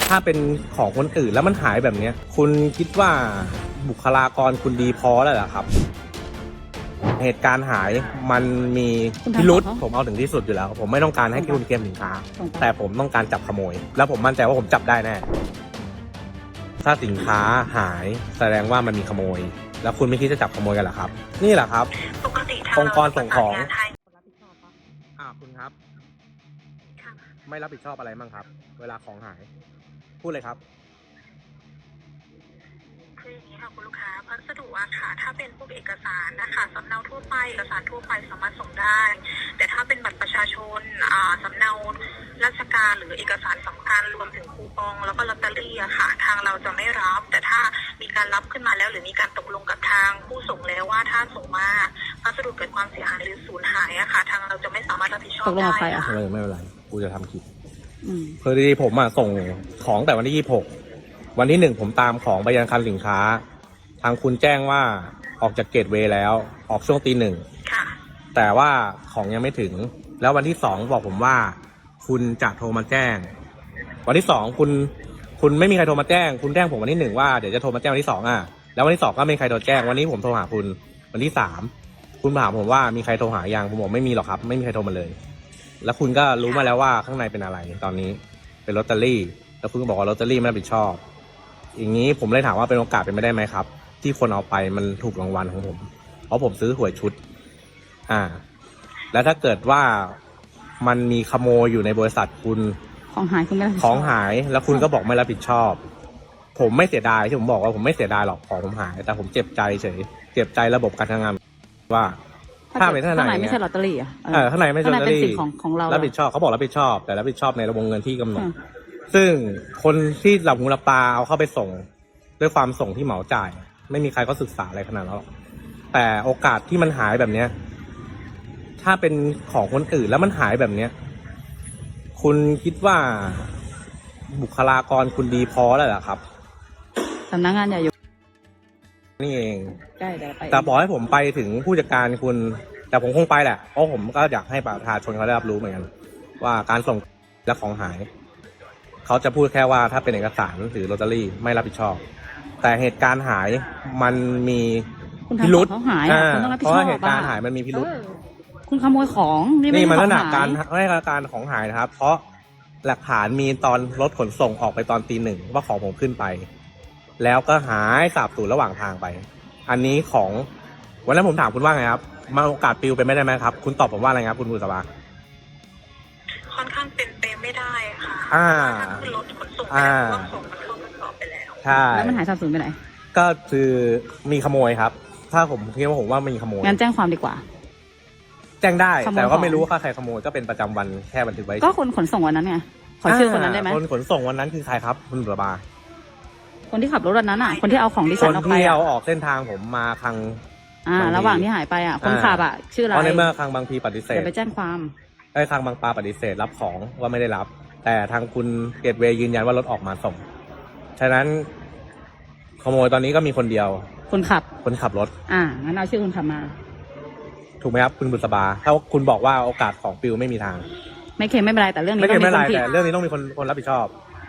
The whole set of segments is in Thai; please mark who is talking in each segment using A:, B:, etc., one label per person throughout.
A: ถ้าเป็นของคนอื่นแล้วมันหายแบบนี้คุณคิดว่าบุคลากรคุณดีพอแล้วเหรอครับเหตุการณ์หายมันมีพิรุษผมเอาถึงที่สุดอยู่แล้วผมไม่ต้องการให้คุณเกมสินค้าแต่ผมต้องการจับขโมยแล้วผมมั่นใจว่าผมจับได้แน่ถ้าสินค้าหายแสดงว่ามันมีขโมยแล้วคุณไม่คิดจะจับขโมยกันเหรอครับนี่แหละครับองค์กรส่งของคุณครับไม่รับผิดชอบอะไรบ้างครับเวลาของหายพูดเลยครับ
B: คืออย่างนี้ค่ะคุณลูกค้าพัสดุอะค่ะถ้าเป็นพวกเอกสารนะคะสำเนาทั่วไปเอกสารทั่วไปสามารถส่งได้แต่ถ้าเป็นบัตรประชาชนสำเนาราชการหรือเอกสารสำคัญรวมถึงคูปองแล้วก็ลอตเตอรี่อะค่ะทางเราจะไม่รับแต่ถ้ามีการรับขึ้นมาแล้วหรือมีการตกลงกับทางผู้ส่งแล้วว่าถ้าส่งมาพัสดุเกิดความเสียหายหรือสูญหายอะค่ะทางเราจะไม่สามารถรับผิดชอบได้ค่ะ
A: ไม่เป็นไรกูจะทำคลิปคือดีผมส่งของแต่วันที่26วันที่1ผมตามของไปยังคลังสินค้าทางคุณแจ้งว่าออกจากเกตเวย์แล้วออกช่วงตี 1แต่ว่าของยังไม่ถึงแล้ววันที่2บอกผมว่าคุณจะโทรมาแจ้งวันที่2คุณไม่มีใครโทรมาแจ้งคุณแจ้งผมวันที่1ว่าเดี๋ยวจะโทรมาแจ้งวันที่2แล้ววันที่2ก็ไม่มีใครโทรแจ้งวันนี้ผมโทรหาคุณวันที่3คุณถามผมว่ามีใครโทรหายังผมบอกไม่มีหรอกครับไม่มีใครโทรมาเลยแล้วคุณก็รู้มาแล้วว่าข้างในเป็นอะไรตอนนี้เป็นลอตเตอรี่แล้วคุณก็บอกว่าลอตเตอรี่ไม่รับผิดชอบอย่างนี้ผมเลยถามว่าเป็นโอกาสเป็นไปได้ไหมครับที่คนเอาไปมันถูกรางวัลของผมเพราะผมซื้อหวยชุดแล้วถ้าเกิดว่ามันมีขโมยอยู่ในบริษัทคุณ
C: ของหายคุณไม่รับผิดชอบ
A: ของหายแล้วคุณก็บอกไม่รับผิดชอบผมไม่เสียดายที่ผมบอกว่าผมไม่เสียดายหรอกของผมหายแต่ผมเจ็บใจเฉยเจ็บใจระบบการทำงานว่าถ้าเป็นข้างใน
C: ไม่ใช่ลอตเตอรี่
A: ข้างในไม่ใช่ลอตเตอรี่
C: ของเรา
A: รับผิดชอบเขาบอกรับผิดชอบแต่รับผิดชอบในระบบเงินที่กำหนดซึ่งคนที่หลับหูหลับตาเอาเข้าไปส่งด้วยความส่งที่เหมาจ่ายไม่มีใครก็ศึกษาอะไรขนาดนั้นหรอกแต่โอกาสที่มันหายแบบเนี้ยถ้าเป็นของคนอื่นแล้วมันหายแบบเนี้ยคุณคิดว่าบุคลากรคุณดีพอแล้วเหรอครับ
C: สำนักงานใหญ่อยู่
A: นี่เอง
C: ใช่เดี๋ยวไป
A: แต่บอกให้ผมไปถึงผู้จัดการคุณแต่ผมคงไปแหละเพราะผมก็อยากให้ประชาชนเขาได้รับรู้เหมือนกันว่าการส่งและของหายเขาจะพูดแค่ว่าถ้าเป็นเอกสารหรือลอตเตอรี่ไม่รับผิดชอบแต่เหตุการณ์หายมันมีพิรุษเพราะเหตุการณ์หายมันมีพิรุษ
C: คุณขโมยของ
A: นี่มันลักษณะการของหายนะครับเพราะหลักฐานมีตอนรถขนส่งออกไปตอนตี 1ว่าของผมขึ้นไปแล้วก็หายสาบสูญระหว่างทางไปอันนี้ของวันนั้นผมถามคุณว่าไงครับมาโอกาสปลิวเป็นไม่ได้ไหมครับคุณตอบผมว่าอะไรครับคุณบุษบา
B: ค่อนข้างเป็นไปไม่ได้ค่ะขึ้นรถขนส่งไปแล้วว่าของมันเข้ากระสอบไปแล้ว
A: ใช่
C: แล้วมันหายสาบสูญไปไหน
A: ก็คือมีขโมยครับถ้าผมคิดว่าผมว่ามีขโมย
C: งั้นแจ้งความดีกว่า
A: แจ้งได้แต่ก็ไม่รู้ว่าใครขโมยก็เป็นประจำวันแค่บันทึกไว้
C: ก็คนขนส่งวันนั้นไงขอชื่อคนนั้นได้ไหม
A: คนขนส่งวันนั้นคือใครครับคุณบุษบา
C: คนที่ขับรถวันนั้นคนที่เอาของดิฉันออกไป
A: คนที่เอาออกเส้นทางผมมาคลัง
C: ระหว่างที่หายไปคนขับชื่ออะไร
A: เพราะในเมื่อคลังบางพีปฏิเสธ
C: จะไปแจ้งความ
A: คลังบางปลาปฏิเสธรับของว่าไม่ได้รับแต่ทางคุณเกตเวย์ยืนยันว่ารถออกมาส่งฉะนั้นขโมยตอนนี้ก็มีคนเดียว
C: คนขับ
A: รถ
C: งั้นเอาชื่อคนขับมา
A: ถูกไหมครับคุณบุษบาถ้าคุณบอกว่าโอกาสของปิวไม่มีทาง
C: ไม่เค็มไม่เป็นไรแต่เรื่องนี้ต้องมีคนผิด
A: แต่เรื่องนี้ต้องมีคนรับผิดชอบ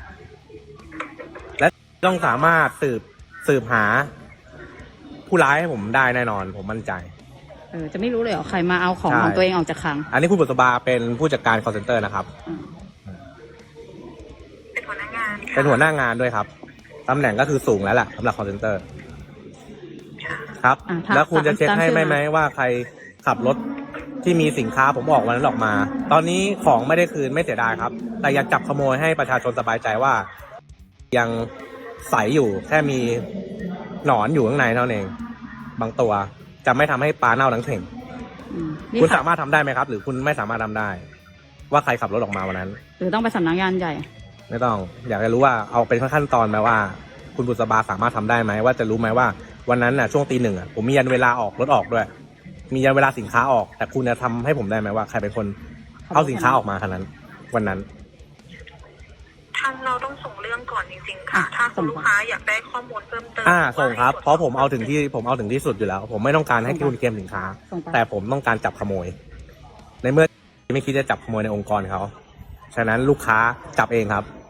A: และต้องสามารถสืบหาผู้ร้ายให้ผมได้แน่นอนผมมั่นใจ
C: จะไม่รู้เลยเหรอใครมาเอาของตัวเองออกจากคลัง
A: อันนี้คุณบุษบาเป็นผู้จัดการ call center นะครับ
B: เป็นหัวหน้างาน
A: ด้วยครับตำแหน่งก็คือสูงแล้วแหละสำหรับ call center ครับแล้วคุณจะเช็คให้ไหมว่าใครขับรถที่มีสินค้าผมออกวันนั้นออกมาตอนนี้ของไม่ได้คืนไม่เสียดายครับแต่อยากจับขโมยให้ประชาชนสบายใจว่ายังใสอยู่แค่มีหนอนอยู่ข้างในเท่านั้นเองบางตัวจะไม่ทำให้ปลาเน่าทั้งเข่งคุณสามารถทำได้ไหมครับหรือคุณไม่สามารถทำได้ว่าใครขับรถออกมาวันนั้น
C: หรือต้องไปสำนักงานใหญ่
A: ไม่ต้องอยากจะรู้ว่าเอาเป็นขั้นตอนไหมว่าคุณบุษบาสามารถทำได้ไหมว่าจะรู้ไหมว่าวันนั้นช่วงตี 1ผมมียันเวลาออกรถออกด้วยมียันเวลาสินค้าออกแต่คุณจะทำให้ผมได้ไหมว่าใครเป็นคนเอาสินค้าออกมาขนาดนั้นวันนั้น
B: ทางเราต้องส่งเรื่องก่อนจริงๆค่ะถ้าคุณลูกค้าอยากได้ข้อมูลเพิ่มเติม
A: ส่งครับเพราะผมเอาถึงที่สุดอยู่แล้วผมไม่ต้องการให้คุณเกมสินค้าแต่ผมต้องการจับขโมยในเมื่อไม่คิดจะจับขโมยในองค์กรเขาฉะนั้นลูกค้าจับเองครับ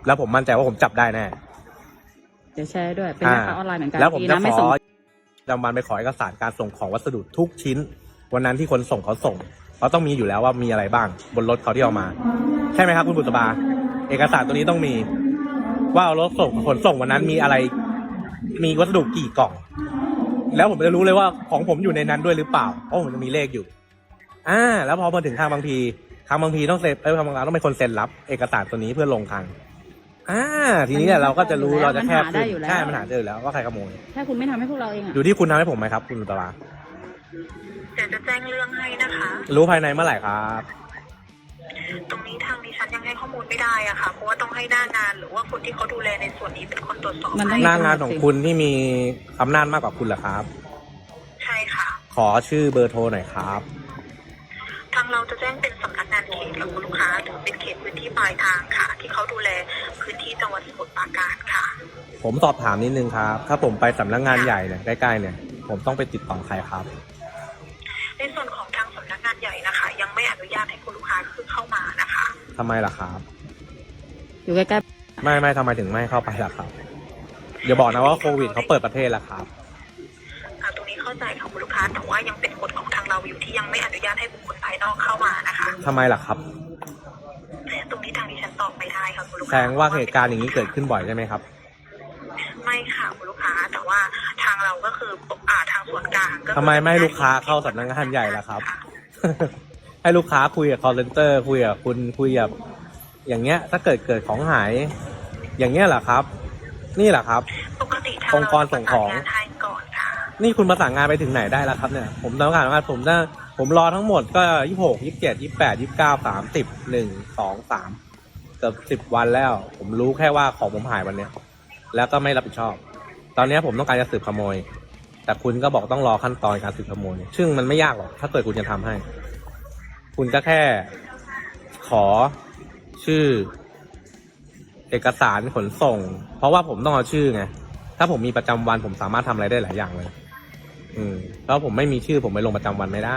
A: แล้วผมมั่นใจว่าผมจับได้แน่
C: เดี๋ยวแชร์ด้วยเป็นแม่ค้าออนไลน์เหมือนกัน
A: แล้วผม
C: ดี
A: จะ
C: นะ
A: ข
C: ไม่
A: อ
C: ส่ง
A: จำวันไปขอเอกสารการส่งของวัสดุทุกชิ้น วันนั้นที่คนส่งเขาส่งเขาต้องมีอยู่แล้วว่ามีอะไรบ้างบนรถเขาที่เอามาใช่ไหมครับคุณบุษบาเอกสารตัวนี้ต้องมีว่าเอารถส่งขนส่งวันนั้นมีอะไรมีวัสดุกี่กล่อง แล้วผมจะรู้เลยว่าของผมอยู่ในนั้นด้วยหรือเปล่าเพราะผมจะมีเลขอยู่แล้วพอมาถึงทางบางทีต้องเซ็นทางบางร้านต้องเป็นคนเซ็นรับเอกสารตัวนี้เพื่อลงคลังทีนี้เราก็จะรู้เราจะแคบขึ้นใช่มันหาได้อยู่แล้วว่าใครขโมย
C: ถ้าคุณไม่ทำให้พวกเราเองอะ
A: อยู่ที่คุณทำให้ผมไหมครับคุณบุษบา
B: เดี๋ยวจะแจ้งเรื่องให้นะคะ
A: รู้ภายในเมื่อไหร่ครับ
B: ตรงนี้ทางดิฉันยังให้ข้อมูลไม่ได้อะค่ะ เพราะว่าต้องให้หน้างานหรือว่าคนที่เขาดูแลในส่วนนี้เป็นคนตรวจสอบ
C: มันต้อ
B: ให้
C: ง
A: หน้างานของคุณที่มีอำนาจมากกว่าคุณเหรอครับ
B: ใช่ค่ะ
A: ขอชื่อเบอร์โทรหน่อยครับ
B: ทางเราจะแจ้งเป็นสำนักงานเขตกับคุณลูกค้าถึงเป็นเขตพื้นที่ปลายทางค่ะ ที่เขาดูแลพื้นที่จังหวัดสมุทรปราการค่ะ
A: ผมสอบถามนิดนึงครับ ถ้าผมไปสำนักงานใหญ่เนี่ยใกล้ๆเนี่ย ผมต้องไปติดต่อใครครับ
B: ในส่วนของทางสำนักงานใหญ่นะคะ ยังไม่อนุญาตให้คุณลูกค้าคือเข้ามานะคะ
A: ทำไมล่ะครับ
C: อยู่ใกล้
A: ไม่ทำไมถึงไม่เข้าไปล่ะครับอย่าบอกนะว่าโควิดเขาเปิดประเทศแล้วครับ
B: ตรงนี้เข้าใจค่ะคุณลูกค้าแต่ว่ายังเป็นกฎของทางเราอยู่ที่ยังไม่อนุญาตให้บุคคลภายนอกเข้ามานะคะ
A: ทำไมล่ะครับ
B: ตรงนี้ทางดิฉันตอบไม่ได้ค่ะคุณลูก
A: แส
B: ค้า
A: ดงว่าเหตุการณ์อย่างนี้เกิดขึ้นบ่อยใช่ไหมครับ
B: ไม่ค่ะคุณลูกค้าแต่ว่าทางเราก็คือทางส่วนกลางก็คือ
A: ทำไมไม่ให้ลูกค้าเข้าสำนักงานใหญ่ล่ะครับ ให้ลูกค้าคุยกับ call center คุยกับคุณคุยกับอย่างเงี้ย ถ้าเกิดของหาย อย่างเงี้ยเหรอครับ นี่แหละครับ
B: ปกติทาง
A: องค์กรส่งของ
B: เราจะประสานงานให้ก่อนค่ะ
A: นี่คุณประสานงานไปถึงไหนได้แล้วครับเนี่ย ผมต้องการว่าผมรอทั้งหมดก็26 27 28 29 30 1 2 3เกือบ10 วันแล้ว ผมรู้แค่ว่าของผมหายวันเนี้ย แล้วก็ไม่รับผิดชอบ ตอนนี้ผมต้องการจะสืบขโมย แต่คุณก็บอกต้องรอขั้นตอนการสืบขโมย ซึ่งมันไม่ยากหรอกถ้าเกิดคุณจะทำให้ คุณก็แค่ขอชื่อ เอกสารขนส่ง เพราะว่าผมต้องเอาชื่อไง ถ้าผมมีประจำวันผมสามารถทำอะไรได้หลายอย่างเลย แล้วผมไม่มีชื่อผมไปลงประจำวันไม่ได้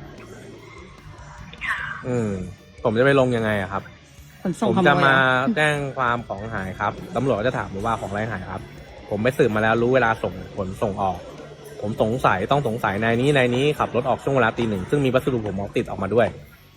B: ค่ะ
A: ผมจะไปลงยังไงอะครับ
C: ๆขนส่ง
A: ผม
C: ขโม
A: จะ
C: ย
A: มา
C: อะ
A: แจ้งความของหายครับตำรวจก็จะถามผมว่าของอะไรหายครับ ผมไปสืบมาแล้วรู้เวลาส่งออก ผมต้องสงสัยนายนี้ขับรถออกช่วงเวลาตี 1ซึ่งมีวัสดุผมติดออกมาด้วย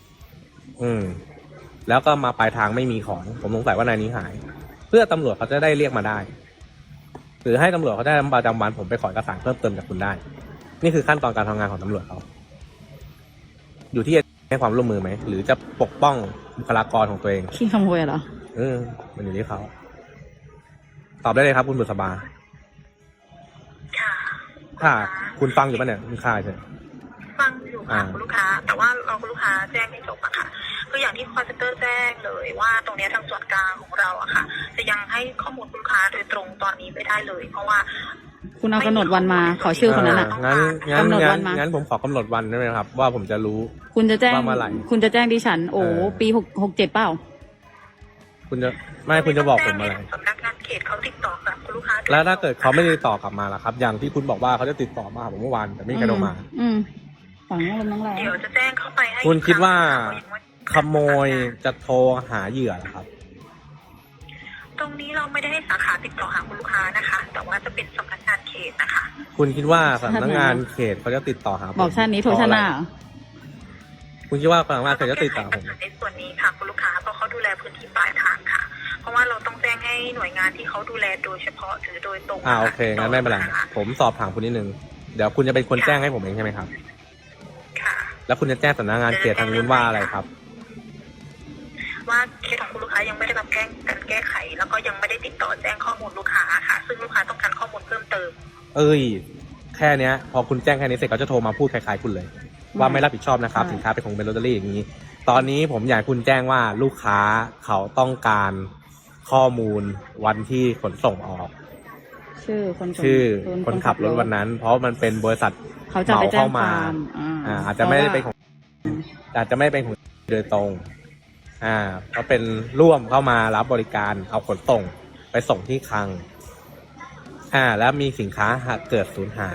A: แล้วก็มาปลายทางไม่มีของ ผมสงสัยว่านายนี้หาย เพื่อตำรวจเขาจะได้เรียกมาได้ หรือให้ตำรวจเขาได้ประจำวันผมไปขอเอกสารเพิ่มเติมจากคุณได้ นี่คือขั้นตอนการทำงานของตำรวจเขาอยู่ที่จะให้ความร่วมมือไหมหรือจะปกป้องบุคลากรของตัวเอง
C: ขี้ขโมยเหรอ
A: มันอยู่ที่เขาตอบได้เลยครับคุณบุษบา
B: ค่ะ
A: ถ้าคุณฟังอยู่ปะเนี่ยคุณค่าใช่
B: ฟังอยู่ค่ะคุณลูกค้า แต่ว่าเราคุณลูกค้าแจ้งให้จบอะค่ะคืออย่างที่คอนเซ็นเตอร์แจ้งเลยว่าตรงเนี้ยทางส่วนกลางของเราอะค่ะ จะยังให้ข้อมูลคุณลูกค้าโดยตรงตอนนี้ไม่ได้เลย เพราะว่า
C: คุณเอากำหนดวันมาขอชื่อคนนั้นอะ
A: งั้น
C: กำหนดวันมางั้
A: งั้นผมขอกำหนดวันได้ไหมครับ ว่าผมจะรู้
C: คุณจะแจ้ง
A: ว่าเมื่อไหร่
C: คุณจะแจ้งดิฉัน ปี67เปล่า
A: คุณจะบอกผมอะไร
B: สำนักงานเขตเขาติดต่อกับคุณลูกค้า
A: แล้วถ้าเกิดเขาไม่ได้ติดต่อกลับมาล่ะครับ อย่างที่คุณบอกว่าเขาจะติดต่อมาหาผมเมื่อวานแต่ไม่มีใครโทรมา
C: ฝังลมน้ำแรง
B: เดี๋ยวจะแจ้งเข้าไปให้
A: คุณคิดว่า
B: อีกครั้ง
A: ขโมยจะโทรหาเหยื่อเหรอครับ
B: ตรงนี้เราไม่ได้ให้สาขาติดต่อหาคุณลูกค้านะคะ แต่ว่าจะเป็นสำนักงานเขตนะคะ
A: คุณคิดว่าสำนักงานเขตเขาจะติดต่อหาผม
C: บอกชาตินี้โทรชาติหน้าเหรอ
A: คุณคิดว่าสำนักงานเขตจะติดต่อผม
B: ในส่วนนี้ค่ะคุณลูกค้าเพราะเขาดูแลพื้นที่ปลายทางค่ะ เพราะว่าเราต้องแจ้งให้หน่วยงานที่เขาดูแลโดยเฉพาะหรือโดยตรง
A: โอเคงั้นไม่เป็นไรผมสอบถามคุณนิดนึงเดี๋ยวคุณจะเป็นคนแจ้งให้ผมเองใช่ไหมครับ
B: ค่ะ
A: แล้วคุณจะแจ้งสำนักงานเขตทางนู้นว่าอะไรครับ
B: ว่าเคสของคุณลูกค้ายังไม่ได้รับการแก้ไข แล้วก็ยังไม่ได้ติดต่อแจ้งข้อมูลลูกค้าค่ะ ซึ่งลูกค้าต้องการข้อมูลเพิ่มเติม
A: แค่เนี้ย พอคุณแจ้งแค่นี้เสร็จเขาจะโทรมาพูดคล้ายๆคุณเลย ว่าไม่รับผิดชอบนะครับสินค้าเป็นของเป็นลอตเตอรี่อย่างนี้ ตอนนี้ผมอยากให้คุณแจ้งว่าลูกค้าเขาต้องการข้อมูลวันที่ขนส่งออก
C: ชื่อ
A: คนขับรถวันนั้น เพราะมันเป็นบริษัท
C: เขาจะไปแจ้งความ
A: อาจจะไม่ได้เป็นของโดยตรงเพราะเป็นร่วมเข้ามารับบริการเอาขนส่งไปส่งที่คลังแล้วมีสินค้าหากเกิดสูญหาย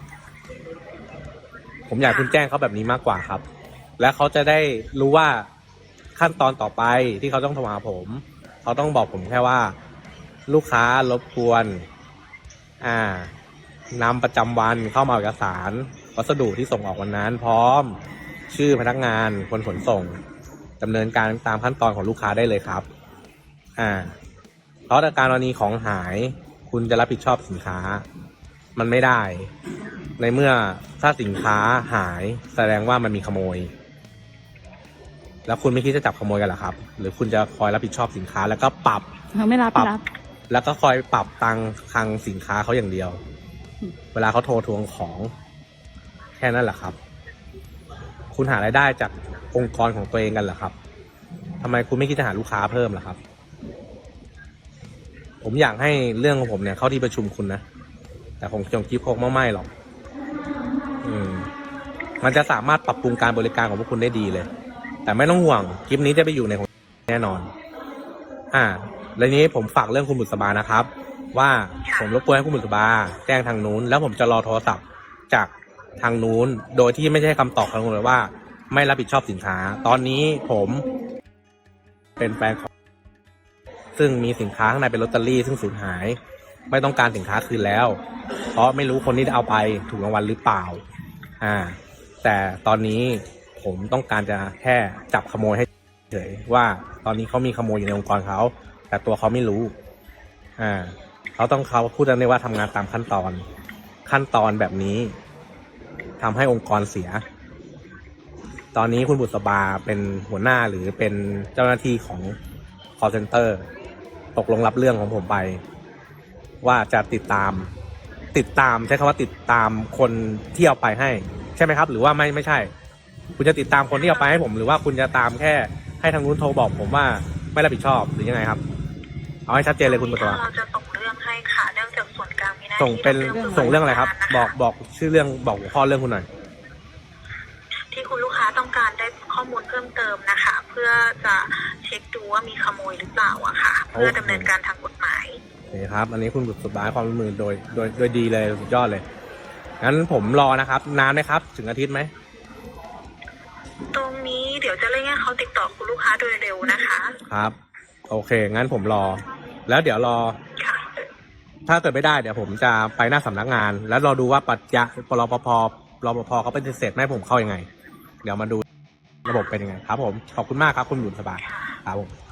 A: ผมอยากคุณแจ้งเขาแบบนี้มากกว่าครับ และเขาจะได้รู้ว่าขั้นตอนต่อไปที่เขาต้องโทรหาผม เพเขาต้องบอกผมแค่ว่า ลูกค้ารบกวนนำประจำวันเข้ามาเอกสารวัสดุที่ส่งออกวันนั้น พร้อมชื่อพนักงานคนขนส่งดำเนินการตามขั้นตอนของลูกค้าได้เลยครับเพราะในการกรณีของหายคุณจะรับผิดชอบสินค้ามันไม่ได้ ในเมื่อถ้าสินค้าหายแสดงว่ามันมีขโมยแล้วคุณไม่คิดจะจับขโมยกันเหรอครับหรือคุณจะคอยรับผิดชอบสินค้าแล้วก็ปรับ
C: ไม่รับ
A: แล้วก็คอยปรับตังคลังสินค้าเขาอย่างเดียวเวลาเขาโทรทวงของแค่นั้นแหละครับคุณหารายได้จากองค์กรของตัวเองกันเหรอครับทำไมคุณไม่คิดจะหาลูกค้าเพิ่มล่ะครับผมอยากให้เรื่องของผมเนี่ยเข้าที่ประชุมคุณนะแต่ผมจงคิดคงไม่หรอกมันจะสามารถปรับปรุงการบริการของพวกคุณได้ดีเลยแต่ไม่ต้องห่วงคลิปนี้จะไปอยู่ในของแน่นอนแล้วนี้ผมฝากเรื่องคุณบุษบานะครับว่าผมรบกวนให้คุณบุษบาแจ้งทางนู้นแล้วผมจะรอโทรศัพท์จากทางนู้นโดยที่ไม่ใช่คำตอบของคุณเลยว่าไม่รับผิดชอบสินค้าตอนนี้ผมเป็นแฟนของซึ่งมีสินค้าข้างในเป็นลอตเตอรี่ซึ่งสูญหายไม่ต้องการสินค้าคืนแล้วเพราะไม่รู้คนที่เอาไปถูกรางวัลหรือเปล่าแต่ตอนนี้ผมต้องการจะแค่จับขโมยให้เฉยว่าตอนนี้เขามีขโมยอยู่ในองค์กรเขาแต่ตัวเขาไม่รู้เขาพูดได้ว่าทำงานตามขั้นตอนแบบนี้ทำให้องค์กรเสียตอนนี้คุณบุษบาเป็นหัวหน้าหรือเป็นเจ้าหน้าที่ของ call center ตกลงรับเรื่องของผมไปว่าจะติดตามใช้คำว่าติดตามคนที่เอาไปให้ใช่ไหมครับหรือว่าไม่ใช่คุณจะติดตามคนที่เอาไปให้ผมหรือว่าคุณจะตามแค่ให้ทางนู้นโทรบอกผมว่าไม่รับผิดชอบหรือยังไงครับเอาให้ชัดเจนเลยคุณบุษบา
B: เราจะส่งเรื่องให้ค่ะเรื่องจากส่วนกลางมีหน้าที่
A: ส่งเรื่องอะไรครับบอกชื่อเรื่องบอกหัวข้อเรื่องคุณหน่อย
B: ที่คุณลูกค้าต้องการได้ข้อมูลเพิ่มเติมนะคะเพื่อจะเช็คดูว่ามีขโมยหรือเปล่าอะค่ะเพื่อดำเนินการทางกฎหมาย
A: นี่ครับอันนี้คุณบุษบาความร่วมมือโดยดีเลยสุดยอดเลยงั้นผมรอนะครับนานไหมครับถึงอาทิตย์ไหม
B: ตรงนี้เดี๋ยวจะเร่งให้เขาติดต่อคุณลูกค้าโดยเร็วนะคะ
A: ครับโอเคงั้นผมรอแล้วเดี๋ยวรอถ้าเกิดไม่ได้เดี๋ยวผมจะไปหน้าสำนักงานแล้วรอดูว่ารปภเขาปฏิเสธไม่ให้ผมเข้ายังไงเดี๋ยวมาดูระบบเป็นยังไงครับผมขอบคุณมากครับคุณบุษบาครับผม